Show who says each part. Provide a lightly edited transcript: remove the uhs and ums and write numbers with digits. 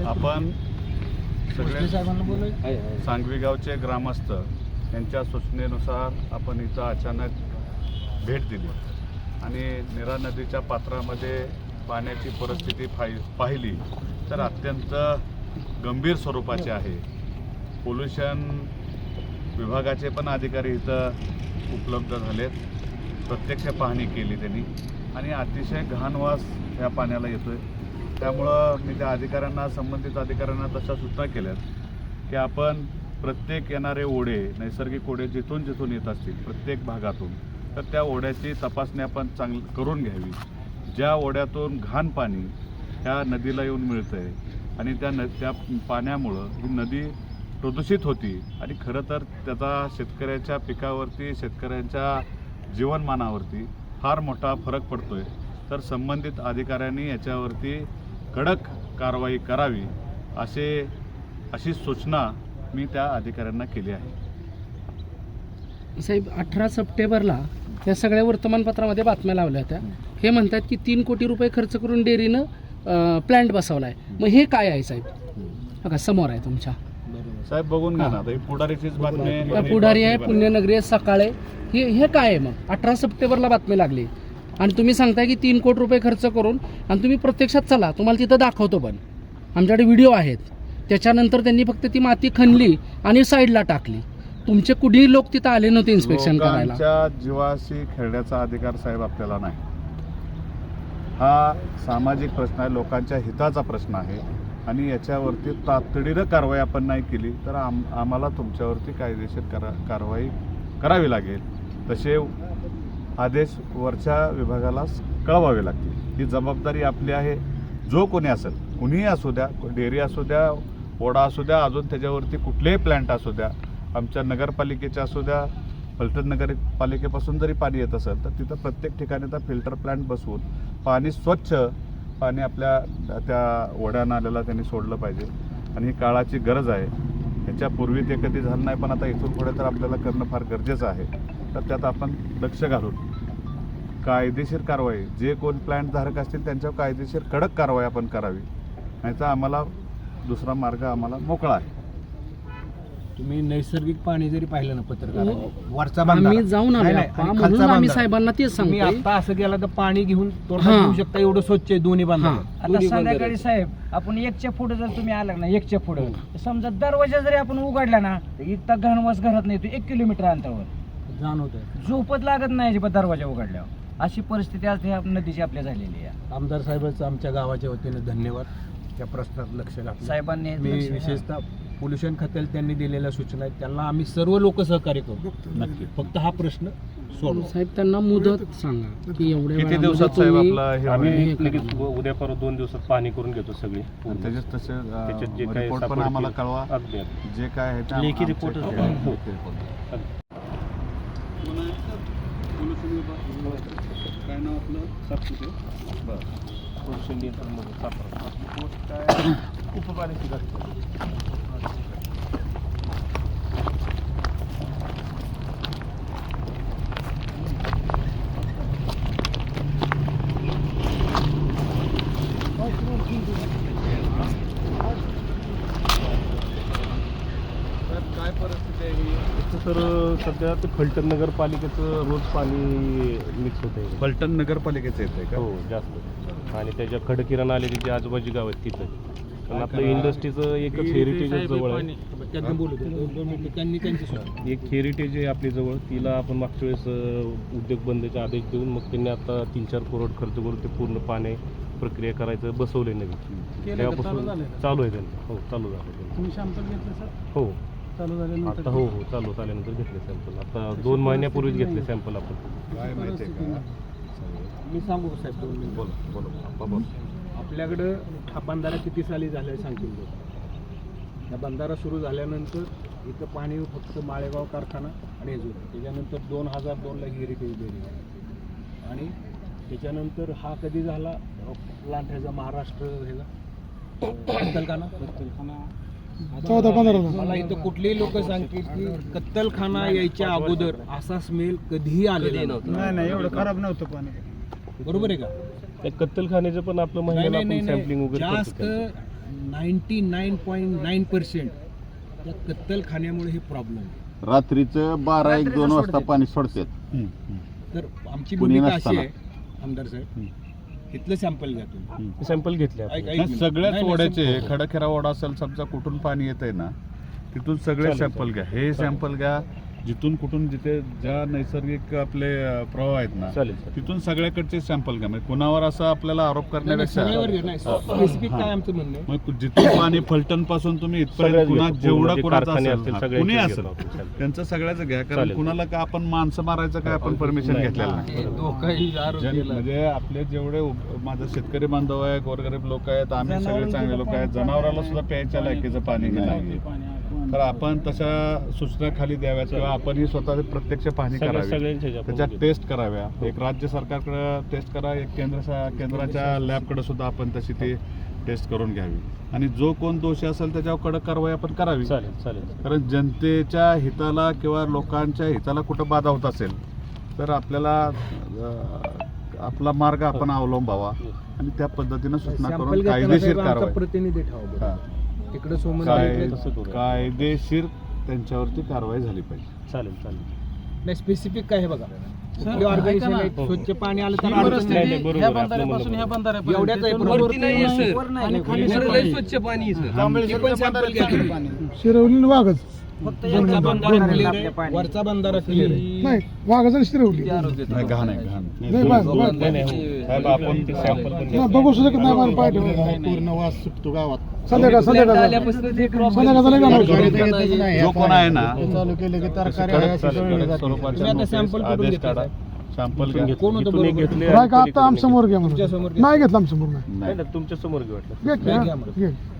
Speaker 1: आपण सगळे सांगवी गावचे ग्रामस्थ यांच्या सूचनेनुसार आपण इथं अचानक भेट दिली आणि नीरा नदीच्या पात्रामध्ये पाण्याची परिस्थिती पाहिली तर अत्यंत गंभीर स्वरूपाची आहे. पोल्युशन विभागाचे पण अधिकारी इथं उपलब्ध झालेत. प्रत्यक्ष पाहणी केली त्यांनी आणि अतिशय घाण वास या पाण्याला येतोय. त्यामुळं मी त्या अधिकाऱ्यांना, संबंधित अधिकाऱ्यांना तशा सूचना केल्यात की आपण प्रत्येक येणारे ओढे, नैसर्गिक ओढे जिथून जिथून येत असतील प्रत्येक भागातून, तर त्या ओढ्याची तपासणी आपण करून घ्यावी. ज्या ओढ्यातून घाण पाणी ह्या नदीला येऊन मिळतं आहे आणि त्या पाण्यामुळं ही नदी प्रदूषित होती आणि खरं तर त्याचा शेतकऱ्याच्या पिकावरती, शेतकऱ्यांच्या जीवनमानावरती फार मोठा फरक पडतोय. तर संबंधित अधिकाऱ्यांनी याच्यावरती कडक कारवाई करावी अशी सूचना मी त्या अधिकाऱ्यांना केली आहे.
Speaker 2: साहेब, 18 सप्टेंबरला या सगळ्या वर्तमानपत्रामध्ये बातम्या लावल्या होत्या. हे म्हणतात की 3 कोटी रुपये खर्च करून डेअरीनं प्लॅन्ट बसवला आहे. मग हे काय आहे साहेब? बघा समोर आहे तुमच्या.
Speaker 1: साहेब बघून घ्या ना, पुढारीचीच बातमी.
Speaker 2: पुढारी आहे, पुण्यनगरी आहे, सकाळे. हे काय आहे? मग 18 सप्टेंबरला बातमी लागली आणि तुम्ही सांगताय की 3 कोटी रुपये खर्च करून, आणि तुम्ही प्रत्यक्षात चला, तुम्हाला तिथं दाखवतो. पण आमच्याकडे व्हिडिओ आहेत. त्याच्यानंतर त्यांनी फक्त ती माती खणली आणि साईडला टाकली. तुमचे कुठेही लोक तिथं आले नव्हते इन्स्पेक्शन करायला.
Speaker 1: लोकांच्या जीवाशी खेळण्याचा अधिकार साहेब आपल्याला नाही. हा सामाजिक प्रश्न आहे, लोकांच्या हिताचा प्रश्न आहे आणि याच्यावरती तातडीनं कारवाई आपण नाही केली तर आम्हाला तुमच्यावरती कायदेशीर कारवाई करावी लागेल. तसे आदेश वरच्या विभागाला कळवावे लागतील. ही जबाबदारी आपली आहे. जो कोणी असेल, कुणीही असू द्या, डेअरी असू द्या, ओढा असू द्या, अजून त्याच्यावरती कुठलेही प्लॅन्ट असू द्या, आमच्या नगरपालिकेच्या असू द्या, फलटण नगरपालिकेपासून जरी पाणी येत असेल तर तिथं प्रत्येक ठिकाणी त्या फिल्टर प्लॅन्ट बसवून पाणी स्वच्छ पाणी आपल्या त्या ओढ्या नाल्याला त्यांनी सोडलं पाहिजे आणि ही काळाची गरज आहे. ह्याच्यापूर्वी ते कधी झालं नाही, पण आता इथून पुढे तर आपल्याला करणं फार गरजेचं आहे. तर त्यात आपण लक्ष घालून कायदेशीर कारवाई, जे कोण प्लॅन्ट धारक असतील त्यांच्यावर कायदेशीर कडक कारवाई आपण करावी. नाहीतर आम्हाला दुसरा मार्ग आम्हाला मोकळा आहे.
Speaker 3: तुम्ही नैसर्गिक पाणी जरी पाहिलं ना पत्रकार, वरचा
Speaker 2: आम्ही जाऊन आलो म्हणून आम्ही साहेबांना तेच
Speaker 3: तुम्ही
Speaker 2: सांगतो.
Speaker 3: आता असं केलं तर पाणी घेऊन तोंडात घेऊ शकता, एवढं स्वच्छ आहे दोन्ही बांधा.
Speaker 4: आता संध्याकाळी साहेब आपण 1च्या पुढे जर तुम्ही आला ना, 1च्या पुढे समजा दरवाजा जरी आपण उघडला ना, इतका घनवास घरात नाही, 1 किलोमीटर अंतरावर
Speaker 3: जाणवत.
Speaker 4: झोपच लागत नाही दरवाजा उघडल्यावर. अशी परिस्थिती आज ह्या नदीची आपल्या झालेली आहे.
Speaker 3: आमदार साहेबांचं आमच्या गावाच्या वतीने धन्यवाद. त्या प्रश्नात लक्ष घातलं
Speaker 4: साहेबांनी
Speaker 3: मी विशेषतः पोल्युशन खात्याला त्यांनी दिलेल्या सूचना आहेत, त्यांना आम्ही सर्व लोक सहकार्य करू. नक्की फक्त हा प्रश्न सोडू.
Speaker 2: साहेब, त्यांना मुदत सांगा की एवढ्या
Speaker 1: किती दिवसात साहेब आपला हे
Speaker 5: आम्ही लगेच उद्या परत 2 दिवसात पाणी करून घेतो सगळी.
Speaker 1: त्याच्यात तसे
Speaker 5: त्याच्यात जे काही
Speaker 1: रिपोर्ट पण आम्हाला कळवा.
Speaker 5: अगदी
Speaker 1: जे काय आहे ते
Speaker 5: लेखी रिपोर्ट
Speaker 1: काय नाव आपलं? सातपुते. बरं.
Speaker 5: उपकार्याची
Speaker 1: काय परिस्थिती आहे?
Speaker 5: तर सध्या ते फलटण नगरपालिकेचं रोज पाणी मिक्स होत आहे.
Speaker 1: फलटण नगरपालिकेचं येतंय का?
Speaker 5: हो, जास्त. आणि त्याच्या खडकिरण आलेली जी आजूबाजू गाव आहेत तिथं. कारण आपलं इंडस्ट्रीचं एकच हेरिटेज जवळ आहे.
Speaker 3: त्यांनी बोलू दे. 2 मिनिटं त्यांनी त्यांची सूचना.
Speaker 5: एक हेरिटेज आहे आपली जवळ, तिला आपण मागच्या वेळेस उद्योग बंदचे आदेश देऊन मग त्यांनी आता 3-4 करोड खर्च करून ते पूर्ण पाणी प्रक्रिया करायचं बसवले नवीन. तेव्हापासून चालू आहे त्यांचं. हो, चालू झालं.
Speaker 2: तुम्ही सॅम्पल घेतलं सर?
Speaker 5: हो,
Speaker 2: चालू झाल्यानंतर
Speaker 5: आता हो चालू झाल्यानंतर घेतले सॅम्पल. आता 2 महिन्यापूर्वीच घेतले सॅम्पल आपण.
Speaker 1: काय माहिती आहे का?
Speaker 3: मी सांगू का साहेब 2 मिनिटं?
Speaker 1: बोला.
Speaker 3: आपल्याकडं हा बंधारा किती साली झाला आहे सांगतील लोक. हा बंधारा सुरू झाल्यानंतर इथं पाणी फक्त माळेगाव कारखाना आणि हेजूर. त्याच्यानंतर 2002ला हेरिटेज डेअरी आणि त्याच्यानंतर हा कधी झाला प्लांट ह्याचा महाराष्ट्र ह्याचा कत्तलखाना
Speaker 2: 14-15.
Speaker 3: मला इथं कुठलेही लोक सांगतील की कत्तलखाना यायच्या अगोदर असा स्मेल कधीही आलेला नव्हता.
Speaker 4: नाही एवढं खराब नव्हतं पाणी.
Speaker 3: बरोबर आहे का?
Speaker 5: त्या कत्तलखान्याचं पण आपलं महिन्याला आपण सॅम्पलिंग वगैरे
Speaker 3: जास्त 99.9% या कत्तलखान्यामुळे हे प्रॉब्लेम आहे.
Speaker 6: रात्रीचं 12-1-2 वाजता पाणी सोडतात.
Speaker 3: तर आमची
Speaker 6: कुणी
Speaker 3: भूमिका अशी
Speaker 6: नसताना.
Speaker 3: आहे आमदार साहेब, इथलं सॅम्पल घ्या तुम्ही.
Speaker 5: सॅम्पल घेतले आपण.
Speaker 3: ऐक- ऐक
Speaker 1: नाही,
Speaker 3: मिनिट.
Speaker 1: सगळ्याच
Speaker 3: नाही,
Speaker 1: ओढ्याचे
Speaker 3: नाही,
Speaker 1: खडखेरा ओढा असेल समजा कुठून पाणी येत आहे ना तिथून सगळे
Speaker 5: चालेल,
Speaker 1: सॅम्पल घ्या. हे सॅम्पल घ्या जिथून कुठून जिथे ज्या नैसर्गिक आपले प्रवाह आहेत ना
Speaker 5: चालेल चालेल.
Speaker 1: तिथून सगळ्याकडचे सॅम्पल घ्या. म्हणजे कुणावर असं आपल्याला आरोप
Speaker 3: नाही,
Speaker 1: करण्यापेक्षा
Speaker 3: सगळ्यावर घ्या. नाही, स्पेसिफिक काय आमचं म्हणणं आहे?
Speaker 1: मग जिथून पाणी फलटण पासून तुम्ही इथपर्यंत
Speaker 5: सगळ्याच
Speaker 1: कुणा
Speaker 5: घेतो.
Speaker 1: जेवढा
Speaker 5: पूर्ण जे
Speaker 1: कुणाचा
Speaker 5: कारखाने
Speaker 1: असेल
Speaker 5: असतील
Speaker 1: हा,
Speaker 5: सगळ्यांचे
Speaker 1: कुणी
Speaker 5: घेतो
Speaker 1: असेल
Speaker 5: आपण. चालेल.
Speaker 1: त्यांचं सगळ्याचं घ्या. कारण
Speaker 5: चालेल.
Speaker 1: कुणाला का आपण माणसं मारायचं काय आपण परमिशन
Speaker 5: नाही.
Speaker 1: घेतलेलं नाही. म्हणजे आपले जेवढे माझे शेतकरी बांधव आहे, गोरगरीब लोक आहेत, आम्ही सगळे चांगले लोक आहेत, जनावराला सुद्धा प्यायच्या लायकीचं पाणी नाही. तर आपण तशा सूचना खाली द्याव्यात किंवा आपणही स्वतः प्रत्यक्ष पाहणी करावी,
Speaker 5: सगळ्यांच्या ह्याच्या आपण
Speaker 1: त्याच्या
Speaker 5: घेतो.
Speaker 1: टेस्ट कराव्या. एक राज्य सरकारकडे टेस्ट करा, एक केंद्राच्या लॅबकडे सुद्धा आपण तशी ती टेस्ट करून घ्यावी आणि जो कोण दोषी असेल त्याच्यावर कडक कारवाई आपण करावी.
Speaker 5: चालेल चालेल.
Speaker 1: कारण जनतेच्या हिताला किंवा लोकांच्या हिताला कुठं बाधा होत असेल तर आपल्याला आपला मार्ग आपण अवलंबावा आणि त्या पद्धतीनं सूचना
Speaker 3: सॅम्पल
Speaker 1: करून
Speaker 3: घेताना
Speaker 1: कायदेशीर
Speaker 3: साहेब आमचा
Speaker 1: कारवाई
Speaker 3: प्रतिनिधी ठेवा बरं.
Speaker 1: हा.
Speaker 3: तिकडे सोमन
Speaker 5: तसं करू.
Speaker 1: कायदेशीर त्यांच्यावरती कारवाई झाली पाहिजे.
Speaker 5: चालेल चालेल.
Speaker 3: नाही, स्पेसिफिक काय आहे बघा. कुठली organization आहे,
Speaker 5: हो.
Speaker 3: स्वच्छ पाणी आलं तर
Speaker 5: ही
Speaker 3: अडचण
Speaker 5: परिस्थिती
Speaker 3: नाही.
Speaker 5: नाही, बरोबर आहे. आपलं म्हणणं बरोबर.
Speaker 3: एवढ्याच आहे प्रॉब्लेम.
Speaker 4: वर नाही, खाली
Speaker 3: वर
Speaker 4: सगळं
Speaker 3: स्वच्छ पाणी ती पण sample घ्या.
Speaker 7: शिरवली आणि वाघच
Speaker 4: फक्त
Speaker 3: वरचा
Speaker 4: यांचा
Speaker 3: बंधारा
Speaker 4: बंधारा
Speaker 3: clear
Speaker 4: आपल्या
Speaker 3: आहे.
Speaker 4: पाणी.
Speaker 3: वरचा बंधारा क्लिअर आहे.
Speaker 7: नाही वाघच आणि शिरवली
Speaker 1: नाही, घाण आहे, घाण.
Speaker 7: नाही,
Speaker 5: नाही, नाही, हो. साहेब, आपण ते सॅम्पल पण
Speaker 7: नाही, बघू शकत नाही मला पाय ठेवलं.
Speaker 6: पूर्ण वास सुटतो गावात.
Speaker 7: संध्याकाळ संध्याकाळ झालं का
Speaker 1: जो कोण आहे ना
Speaker 6: चालू केलं की तरकारी
Speaker 1: कडक स्वरूपाच्या
Speaker 3: तुम्ही आता
Speaker 1: notice,
Speaker 3: sample कुठून
Speaker 1: आदेश
Speaker 3: घेतला
Speaker 1: काढा, सॅम्पल घ्या.
Speaker 3: कोण होतं
Speaker 5: इथून एक
Speaker 3: बरोबर?
Speaker 5: घेतले
Speaker 7: काय का आता आमच्यासमोर घ्या म्हणून
Speaker 3: तुमच्यासमोर घ्या.
Speaker 7: नाही घेतलं आमच्यासमोर नाही
Speaker 5: नाही ना, तुमच्या समोर घेऊ वाटलं.
Speaker 7: घे,
Speaker 3: घ्या,
Speaker 7: घे,
Speaker 3: घ्या.
Speaker 7: घे.